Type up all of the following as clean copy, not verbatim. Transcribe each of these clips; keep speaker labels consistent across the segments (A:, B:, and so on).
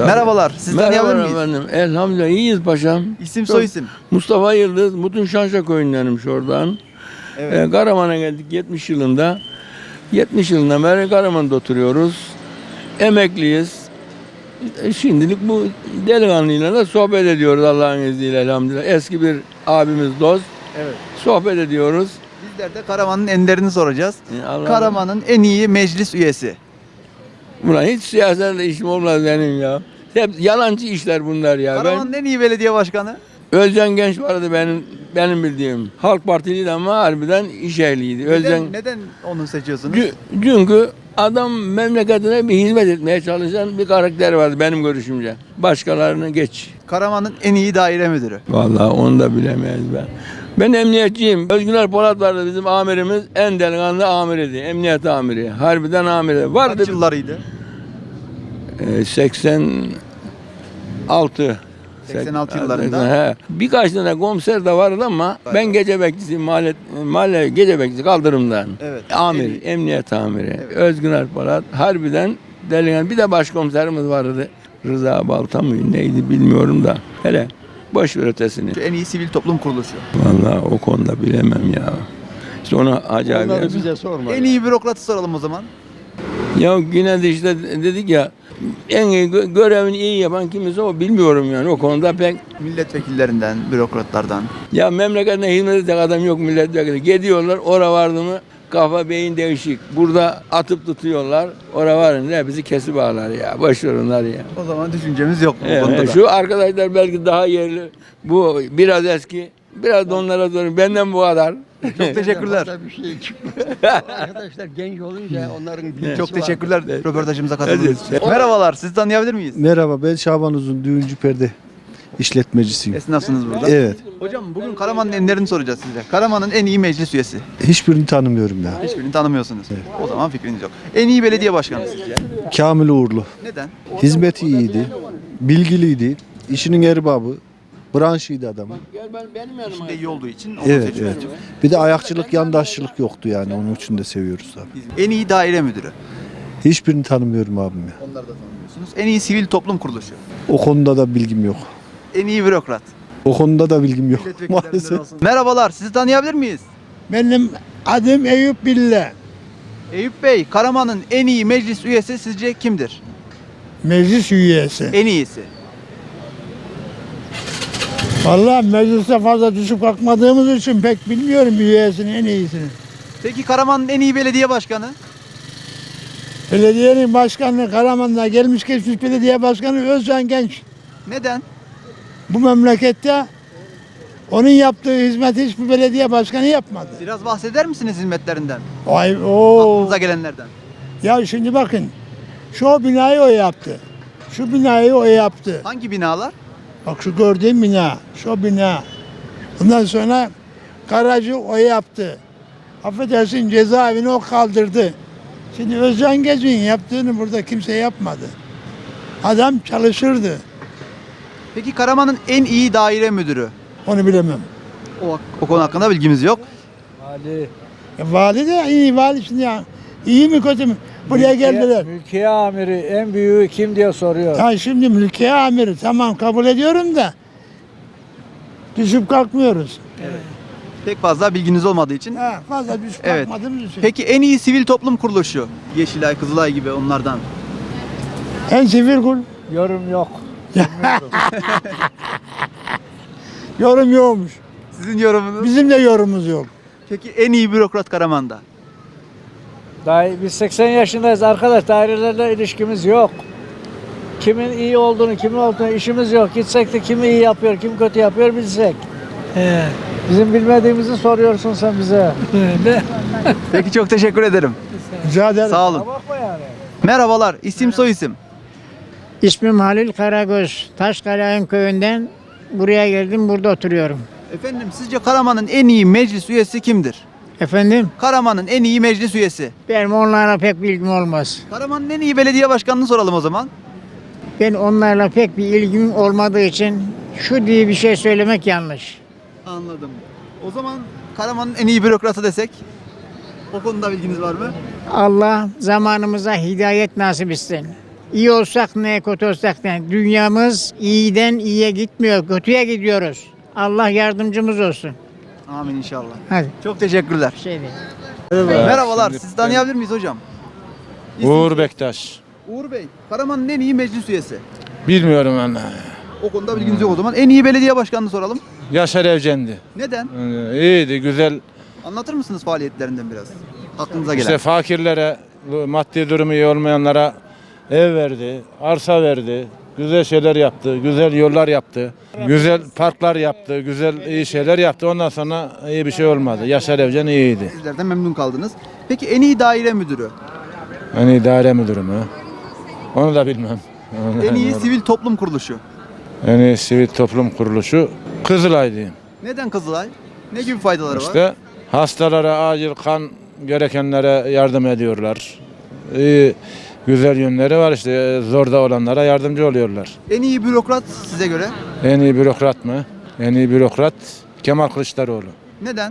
A: Merhabalar. Siz tanıyabilir miyiz?
B: Efendim. Elhamdülillah iyiyiz paşam.
A: İsim soy isim.
B: Mustafa Yıldız, Mutun Şanşa köyündenim şuradan.
A: Evet.
B: Karaman'a geldik 70 yılında. 70 yılından beri Karaman'da oturuyoruz. Emekliyiz. Şimdilik bu delikanlıyla da sohbet ediyoruz Allah'ın izniyle elhamdülillah. Eski bir abimiz, dost.
A: Evet.
B: Sohbet ediyoruz.
A: Bizler de Karaman'ın enlerini soracağız.
B: Allah-
A: Karaman'ın en iyi meclis üyesi.
B: Ulan hiç siyasetle işim olmaz benim ya. Hep yalancı işler bunlar ya.
A: Karaman'ın en iyi belediye başkanı.
B: Özcan Genç vardı benim bildiğim. Halk Partiliydi ama harbiden iş ehliydi.
A: Neden onu seçiyorsunuz?
B: Çünkü adam memleketine bir hizmet etmeye çalışan bir karakter vardı benim görüşümce. Başkalarını geç.
A: Karaman'ın en iyi daire müdürü.
B: Vallahi onu da bilemeyiz ben. Ben emniyetçiyim. Özgüner Polat vardı bizim amirimiz. En delikanlı amiriydi. Emniyet amiri. Harbiden amiri. Vardı.
A: Kaç yıllarıydı?
B: 86.
A: 86 yıllarında.
B: He. Birkaç tane komiser de vardı ama ben gece bekçisi, mahalle gece bekçisi kaldırımdan.
A: Evet.
B: Amir, emniyet amiri. Özgüner Polat. Harbiden delikanlı. Bir de başkomiserimiz vardı. Rıza Balta mı neydi bilmiyorum da. Hele boş ver ötesini.
A: En iyi sivil toplum kuruluşu.
B: Vallahi o konuda bilemem ya. İşte ona acayip.
C: Onları bize sorma.
A: En iyi bürokratı soralım o zaman.
B: Ya yine de işte dedik ya en iyi görevini iyi yapan kimse o bilmiyorum yani o konuda pek.
A: Milletvekillerinden, bürokratlardan.
B: Ya memleketine hizmet edecek adam yok milletvekili. Gidiyorlar oraya vardı mı kafa beyin değişik. Burada atıp tutuyorlar. Oraya varınca hepsi kesip bağlar ya. Boş ver onlar ya.
A: O zaman düşüncemiz yok bu konuda da.
B: Şu arkadaşlar belki daha yerli. Bu biraz eski. Biraz da onlara sorun. Benden bu kadar.
A: Çok teşekkürler.
C: Fazla bir şey çıkmıyor. Arkadaşlar genç olunca onların bilgisi
A: Çok
C: var.
A: teşekkürler röportajımıza katıldığınız
B: Evet.
A: için. Merhabalar, sizi tanıyabilir miyiz?
D: Merhaba, ben Şaban Uzun, düğüncü perde işletmecisiyim.
A: Esnafsınız burada.
D: Evet,
A: Hocam bugün Karaman'ın enlerini soracağız size. Karaman'ın en iyi meclis üyesi.
D: hiçbirini tanımıyorum ya.
A: Hiçbirini tanımıyorsunuz. O zaman fikriniz yok. En iyi belediye başkanı sizce?
D: Kamil Uğurlu.
A: Neden?
D: Hizmeti iyiydi, bilgiliydi, işinin erbabı, branşıydı adamın.
B: Gel benim yanıma.
A: İşinde iyi olduğu için onu
D: Evet,
A: seçiyoruz.
D: evet. Bir de ayakçılık, yandaşçılık yoktu yani. Onun için de seviyoruz tabii.
A: En iyi daire müdürü.
D: Hiçbirini tanımıyorum abim ya.
A: Onları da tanımıyorsunuz. En iyi sivil toplum kuruluşu.
D: O konuda da bilgim yok.
A: En iyi bürokrat.
D: O konuda da bilgim yok
A: Milletvekillerinden
D: maalesef.
A: olsun. Merhabalar, sizi tanıyabilir miyiz?
E: Benim adım Eyüp Bille.
A: Eyüp Bey, Karaman'ın en iyi meclis üyesi sizce kimdir?
E: Meclis üyesi.
A: En iyisi.
E: Vallahi mecliste fazla düşüp kalkmadığımız için pek bilmiyorum üyesini en iyisini.
A: Peki Karaman'ın en iyi belediye başkanı?
E: Belediyenin başkanı Karaman'da gelmiş geçmiş belediye başkanı Özcan Genç.
A: Neden?
E: Bu memlekette onun yaptığı hizmeti hiçbir belediye başkanı yapmadı.
A: Biraz bahseder misiniz hizmetlerinden?
E: Vay o.
A: Aklınıza gelenlerden.
E: Ya şimdi bakın. Şu binayı o yaptı. Şu binayı o yaptı.
A: Hangi binalar?
E: Bak şu gördüğün bina, şu bina. Ondan sonra garajı o yaptı. Affedersin cezaevini o kaldırdı. Şimdi Özcan Gezgin yaptığını burada kimse yapmadı. Adam çalışırdı.
A: Peki Karaman'ın en iyi daire müdürü?
E: Onu bilemem.
A: O konu hakkında bilgimiz yok.
E: Vali de iyi vali şimdi ya. İyi mi kötü mü? Buraya geldiler.
F: Mülkiye amiri en büyüğü kim diye soruyor.
E: Ya şimdi mülkiye amiri tamam kabul ediyorum da düşüp kalkmıyoruz.
A: Pek fazla bilginiz olmadığı için.
E: Ha, fazla düşüp
A: Evet.
E: kalkmadığımız için.
A: Peki en iyi sivil toplum kuruluşu? Yeşilay, Kızılay gibi onlardan.
E: En sivil kul.
F: Yorum yok.
E: Yorum yokmuş.
A: Sizin yorumunuz?
E: Bizim de yorumumuz yok.
A: Peki en iyi bürokrat Karaman'da?
F: Daha biz 80 yaşındayız arkadaş, dairelerle ilişkimiz yok. Kimin iyi olduğunu, kimin olduğunu işimiz yok. Gitsek de kimi iyi yapıyor, kim kötü yapıyor bilsek. Bizim bilmediğimizi soruyorsun sen bize.
A: Peki çok teşekkür ederim.
E: Rica ederim.
A: Sağ olun.
F: Bakma yani.
A: Merhabalar, isim soy isim.
G: İsmim Halil Karagöz. Taşkaleğin köyünden buraya geldim, burada oturuyorum.
A: Efendim sizce Karaman'ın en iyi meclis üyesi kimdir?
G: Efendim,
A: Karaman'ın en iyi meclis üyesi.
G: benim onlarla pek bilgim olmaz.
A: Karaman'ın en iyi belediye başkanını soralım o zaman.
G: Ben onlarla pek bir ilgim olmadığı için şu diye bir şey söylemek yanlış.
A: Anladım. O zaman Karaman'ın en iyi bürokratı desek? O konuda bilginiz var mı?
G: Allah zamanımıza hidayet nasip etsin. İyi olsak ne, kötü olsak ne. Dünyamız iyiden iyiye gitmiyor, kötüye gidiyoruz. Allah yardımcımız olsun.
A: Amin inşallah.
G: Hadi.
A: Çok teşekkürler.
G: Şey değil.
A: Merhabalar. Sizi tanıyabilir miyiz hocam?
H: Uğur Bektaş.
A: Uğur Bey, Karaman'ın en iyi meclis üyesi.
H: Bilmiyorum ben.
A: O konuda bilginiz yok o zaman. En iyi belediye başkanını soralım.
H: Yaşar Evcendi.
A: Neden?
H: İyiydi, güzel.
A: Anlatır mısınız faaliyetlerinden biraz? Aklınıza gelen.
H: İşte fakirlere, bu maddi durumu iyi olmayanlara ev verdi, arsa verdi. Güzel şeyler yaptı, güzel yollar yaptı. Güzel parklar yaptı, güzel iyi şeyler yaptı. Ondan sonra iyi bir şey olmadı. Yaşar Evcen iyiydi.
A: Sizlerden memnun kaldınız. Peki en iyi daire müdürü?
H: Hani idare müdürü mü? Onu da bilmem.
A: En iyi sivil toplum kuruluşu?
H: En iyi sivil toplum kuruluşu Kızılay diyeyim.
A: Neden Kızılay? Ne gibi faydaları var?
H: İşte hastalara acil kan gerekenlere yardım ediyorlar. İyi, güzel yönleri var işte zorda olanlara yardımcı oluyorlar.
A: En iyi bürokrat size göre?
H: En iyi bürokrat mı? En iyi bürokrat Kemal Kılıçdaroğlu.
A: Neden?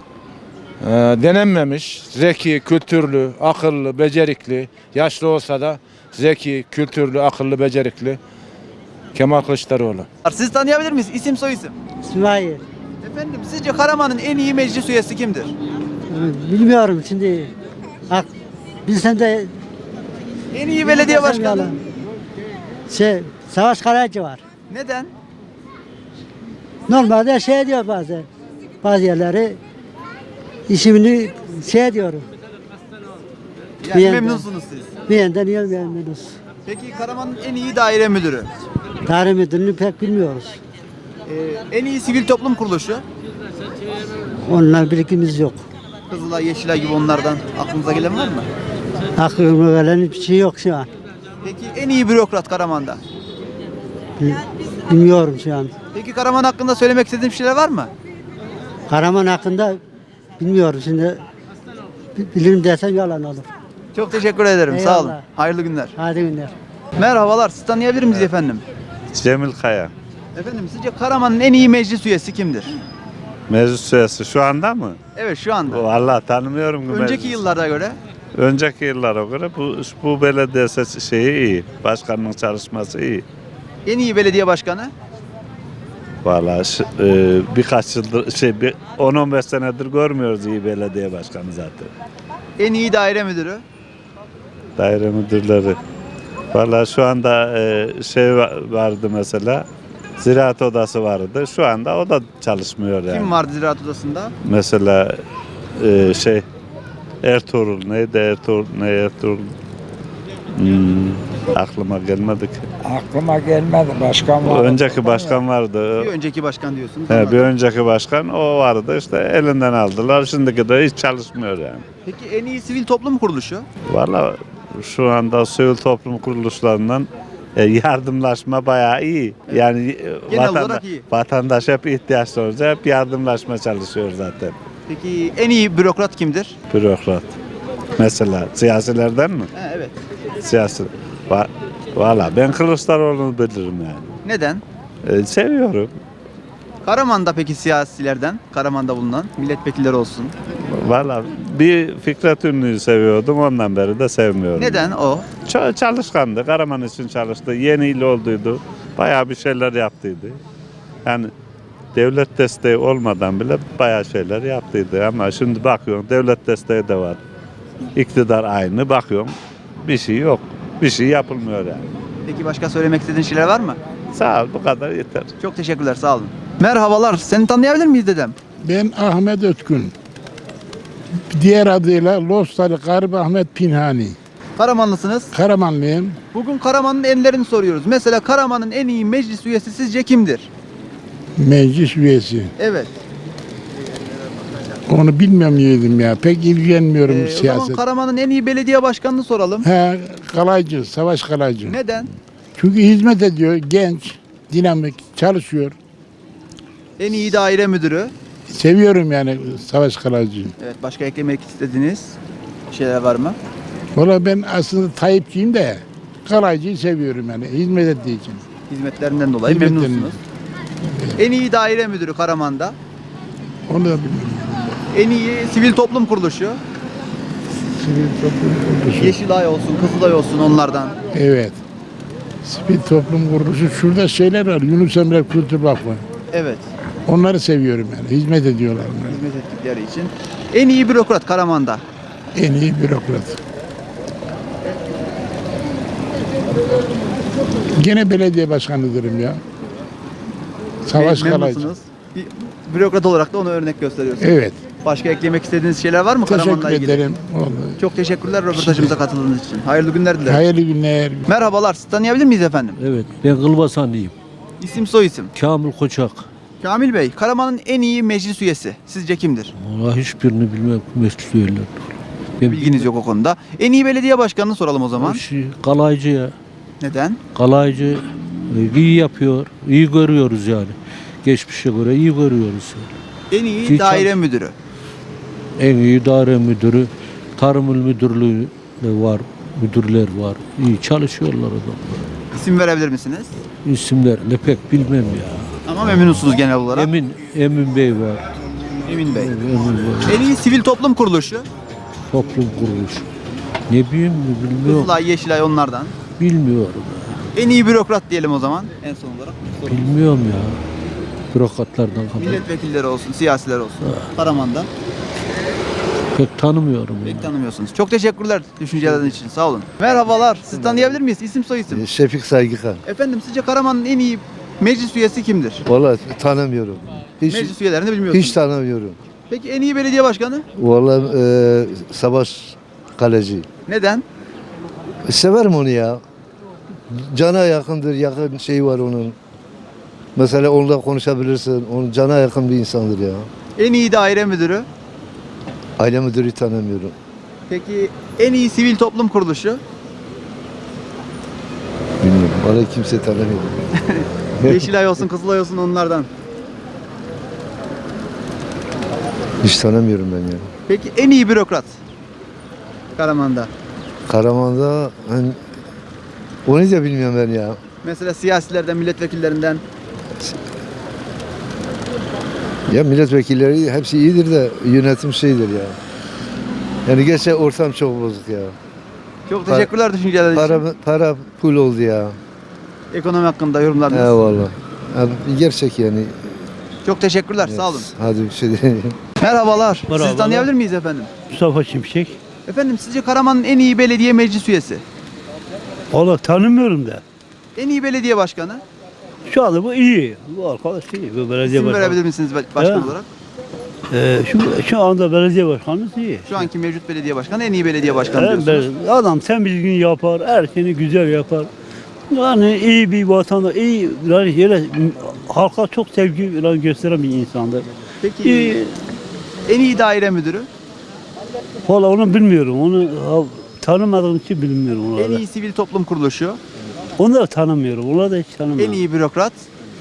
H: Denenmemiş, zeki, kültürlü, akıllı, becerikli, yaşlı olsa da zeki, kültürlü, akıllı, becerikli Kemal Kılıçdaroğlu.
A: Sizi tanıyabilir miyiz? İsim soy isim.
C: İsmail.
A: Efendim sizce Karaman'ın en iyi meclis üyesi kimdir?
C: Bilmiyorum şimdi. Bak bilsem de
A: En iyi belediye
C: bilmesem
A: başkanı?
C: yalan. Savaş Karayacı var.
A: Neden?
C: Normalde şey diyor bazı yerleri işimini şey diyorum.
A: Yani
C: Beğendim.
A: memnunsunuz siz.
C: Bir yandan iyi memnunuz.
A: Peki Karaman'ın en iyi daire müdürü?
C: Tarih müdürünü pek bilmiyoruz.
A: En iyi sivil toplum kuruluşu?
C: Onunla bilgimiz yok.
A: Kızılay, Yeşilay gibi onlardan aklınıza gelen var mı?
C: Aklıma gelen bir şey yok şu an.
A: Peki en iyi bürokrat Karaman'da?
C: Bilmiyorum şu an.
A: Peki Karaman hakkında söylemek istediğim şeyler var mı?
C: Karaman hakkında bilmiyorum şimdi. Bilirim desem yalan olur.
A: Çok teşekkür ederim. Sağ olun.
C: Eyvallah.
A: Hayırlı günler.
C: Hadi günler.
A: Merhabalar. Sizi tanıyabilir miyiz efendim?
I: Cemil Kaya.
A: Efendim sizce Karaman'ın en iyi meclis üyesi kimdir?
I: Meclis üyesi şu anda mı?
A: Evet şu anda.
I: Vallahi tanımıyorum.
A: Önceki
I: meclis.
A: yıllara göre
I: Önceki yıllara göre bu belediye şeyi iyi. Başkanın çalışması iyi.
A: en iyi belediye başkanı?
I: Vallahi birkaç yıldır 10-15 senedir görmüyoruz iyi belediye başkanı zaten.
A: En iyi daire müdürü?
I: Daire müdürleri. Vallahi şu anda vardı mesela. Ziraat odası vardı. Şu anda o da çalışmıyor yani.
A: Kim vardı ziraat odasında?
I: Mesela Ertuğrul neydi Ertuğrul aklıma gelmedi ki.
F: Aklıma gelmedi. Başkan var.
I: Önceki başkan vardı.
A: Bir önceki başkan diyorsunuz.
I: He, bir
A: Anladım.
I: önceki başkan o vardı işte elinden aldılar. Şimdiki de hiç çalışmıyor yani.
A: Peki en iyi sivil toplum kuruluşu?
I: Vallahi şu anda sivil toplum kuruluşlarından yardımlaşma bayağı iyi. Yani
A: Genel olarak iyi.
I: vatandaş hep ihtiyaç olunca hep yardımlaşma çalışıyor zaten.
A: Peki en iyi bürokrat kimdir?
I: Bürokrat. Mesela siyasilerden mi?
A: Evet.
I: Siyasi. Valla ben Kılıçdaroğlu'nu bilirim yani.
A: Neden?
I: Seviyorum.
A: Karaman'da peki siyasilerden, Karaman'da bulunan milletvekilleri olsun.
I: Valla bir Fikret Ünlü'yü seviyordum ondan beri de sevmiyorum.
A: Neden o?
I: Çalışkandı. Karaman için çalıştı. Yeni il olduydu. Bayağı bir şeyler yaptıydı. Yani devlet desteği olmadan bile bayağı şeyler yaptıydı. Ama şimdi bakıyorum devlet desteği de var. İktidar aynı. Bakıyorum bir şey yok. Bir şey yapılmıyor yani.
A: Peki başka söylemek istediğin şeyler var mı?
I: Sağ ol bu kadar yeter.
A: Çok teşekkürler, sağ olun. Merhabalar, seni tanıyabilir miyiz dedem?
E: Ben Ahmet Ötkün. Diğer adıyla Lostali Garip Ahmet Pinhani.
A: Karamanlısınız.
E: Karamanlıyım.
A: Bugün Karaman'ın enlerini soruyoruz. Mesela Karaman'ın en iyi meclis üyesi sizce kimdir?
E: Meclis üyesi.
A: Evet.
E: Onu bilmem yedim ya. Pek ilgilenmiyorum
A: O zaman
E: siyaset.
A: Karaman'ın en iyi belediye başkanını soralım.
E: He, Kalaycı, Savaş Kalaycı.
A: Neden?
E: Çünkü hizmet ediyor, genç, dinamik, çalışıyor.
A: En iyi daire müdürü.
E: Seviyorum yani Savaş Kalaycı'yı.
A: Evet, başka eklemek istediğiniz şeyler var mı?
E: Valla ben aslında Tayyipçiyim de Kalaycı'yı seviyorum yani hizmet ettiği için.
A: Hizmetlerinden dolayı
E: Hizmetlerinden.
A: memnunsunuz. En iyi daire müdürü Karaman'da.
E: Onu da bilmiyorum.
A: En iyi sivil toplum kuruluşu.
E: Sivil toplum kuruluşu.
A: Yeşilay olsun, Kızılay olsun onlardan.
E: Evet. Sivil toplum kuruluşu şurada şeyler var. Yunus Emre Kültür Vakfı.
A: Evet.
E: Onları seviyorum yani. Hizmet ediyorlar onlara.
A: Hizmet ettikleri için. En iyi bürokrat Karaman'da.
E: En iyi bürokrat. Gene belediye başkanıdırım ya. Savaş Kalaycı.
A: Memnunsunuz. Bir bürokrat olarak da ona örnek gösteriyorsunuz.
E: Evet.
A: Başka eklemek istediğiniz şeyler var mı
E: Teşekkür
A: Karaman'la ilgili?
E: ederim. Vallahi.
A: Çok teşekkürler röportajımıza katıldığınız için. Hayırlı günler dilerim.
E: Hayırlı günler.
A: Merhabalar. Sizi tanıyabilir miyiz efendim?
J: Evet, ben Kılbasanlıyım.
A: İsim soy isim.
J: Kamil Koçak.
A: Kamil Bey, Karaman'ın en iyi meclis üyesi sizce kimdir?
J: Vallahi hiçbirini bilmem meclis üyeleri. Ben
A: Bilginiz yok o konuda. En iyi belediye başkanını soralım o zaman.
J: Kalaycı ya.
A: Neden?
J: Kalaycı iyi yapıyor, iyi görüyoruz yani. Geçmişe göre iyi görüyoruz.
A: En iyi
J: Ki
A: daire müdürü.
J: En iyi idare müdürü, tarım il müdürlüğü de var, müdürler var. İyi çalışıyorlar adamlar.
A: İsim verebilir misiniz?
J: İsimlerini pek bilmem ya.
A: Ama memnunsunuz genel olarak.
J: Emin Bey var.
A: Emin Bey.
J: Emin var.
A: En iyi sivil toplum kuruluşu.
J: Toplum kuruluşu. Ne bileyim mi bilmiyorum.
A: Kızılay, Yeşilay onlardan.
J: Bilmiyorum.
A: En iyi bürokrat diyelim o zaman en son olarak.
J: Bilmiyorum ya. Bürokratlardan kadar.
A: Milletvekilleri olsun, siyasiler olsun. Karaman'da.
J: Pek tanımıyorum.
A: Pek tanımıyorsunuz. Çok teşekkürler düşünceleriniz için. Sağ olun. Merhabalar. Siz tanıyabilir miyiz? İsim soy isim.
D: Şefik Saygıkan.
A: Efendim sizce Karaman'ın en iyi meclis üyesi kimdir?
D: Vallahi tanımıyorum.
A: Meclis üyelerini bilmiyorsunuz.
D: Hiç tanımıyorum.
A: Peki en iyi belediye başkanı?
D: Vallahi Savaş Kaleci.
A: Neden?
D: Severim onu ya. Cana yakındır, yakın şey var onun. Mesela onunla konuşabilirsin. Onun cana yakın bir insandır ya.
A: En iyi daire müdürü.
D: Aile müdürü tanımıyorum.
A: Peki en iyi sivil toplum kuruluşu?
D: Bilmiyorum. Vallahi kimse tanımıyorum.
A: Yeşilay olsun, Kızılay olsun onlardan.
D: Hiç tanımıyorum ben ya.
A: Peki en iyi bürokrat? Karaman'da.
D: Karaman'da hani, onu da bilmiyorum ben ya.
A: Mesela siyasilerden, milletvekillerinden.
D: Ya milletvekilleri hepsi iyidir de yönetim şeydir ya. Yani gerçekten ortam çok bozuk ya.
A: Çok teşekkürler düşünceleriniz için.
D: Para pul oldu ya.
A: Ekonomi hakkında yorumlarınız.
D: Eyvallah. Yani gerçek yani.
A: Çok teşekkürler.
D: Evet.
A: Sağ olun.
D: Hadi bir şey diyeyim.
A: Merhabalar. Sizi
J: Merhabalar.
A: tanıyabilir miyiz efendim?
J: Mustafa Şimşek.
A: Efendim sizce Karaman'ın en iyi belediye meclis üyesi?
J: Valla tanımıyorum da.
A: En iyi belediye başkanı?
J: Şu anda bu iyi. Bu arkadaş iyi. Bu belediye
A: İsim verebilir misiniz başkan
J: Evet.
A: olarak?
J: Şu anda belediye başkanımız iyi.
A: Şu anki mevcut belediye başkanı en iyi belediye başkanı diyorsunuz.
J: Adam temizliğini yapar, her şeyini güzel yapar. Yani iyi bir vatandaş, iyi yani yere, halka çok sevgi gösteren bir insandır.
A: Peki
J: İyi.
A: en iyi daire müdürü?
J: Valla onu bilmiyorum. Onu tanımadığım için bilmiyorum.
A: En iyi sivil toplum kuruluşu?
J: Onu da tanımıyorum. Onu da hiç tanımıyorum.
A: En iyi bürokrat?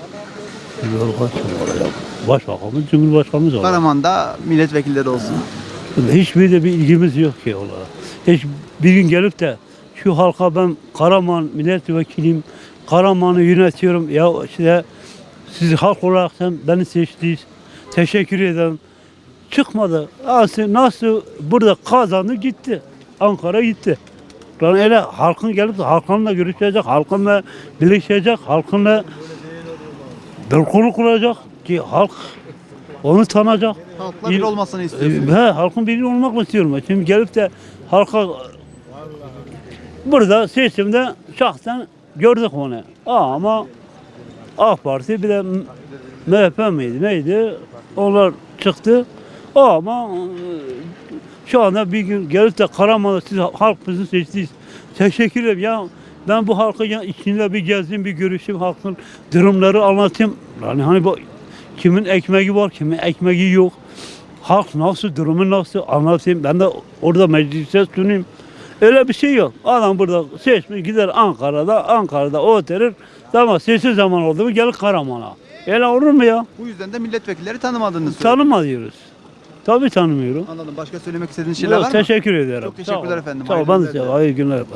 J: Başbakanımız, Cumhurbaşkanımız var.
A: Karaman'da milletvekilleri olsun.
J: Hiçbir de bir ilgimiz yok ki onlara. Hiç bir gün gelip de şu halka ben Karaman milletvekiliyim, Karaman'ı yönetiyorum. Ya işte siz halk olarak sen beni seçtiniz. Teşekkür ederim. Çıkmadı. Nasıl burada kazandı gitti. Ankara gitti. Yani öyle halkın gelip de halkınla görüşecek, halkınla birleşecek, halkınla bir kulu kuracak ki halk onu tanıyacak.
A: Halkla bir olmasını istiyorsunuz.
J: Halkın biri olmak istiyorum. Şimdi gelip de halka burada seçimde şahsen gördük onu. Ama AK Parti bir de MHP miydi neydi? Onlar çıktı. Ama şu anda bir gün gelip de Karaman'da siz halk bizi seçtiniz. Teşekkür ederim ya. Ben bu halkın içinde bir gezeyim, bir görüşeyim, halkın durumları anlatayım. Yani hani bu kimin ekmeği var, kimin ekmeği yok. Halk nasıl, durumu nasıl anlatayım. Ben de orada meclise sunayım. Öyle bir şey yok. Adam burada seçmiş gider Ankara'da oturur. Ama seçim zaman oldu mu gelir Karaman'a. Öyle olur mu ya?
A: Bu yüzden de milletvekilleri tanımadığınızı söylüyorsunuz.
J: Tanıma diyoruz. Tabii tanımıyorum.
A: Anladım. Başka söylemek istediğiniz şeyler var mı?
J: Teşekkür ederim.
A: Çok teşekkürler efendim.
J: Sağ ol.
A: Hayırlı
J: Ben de
A: günler.
J: hayırlı günler.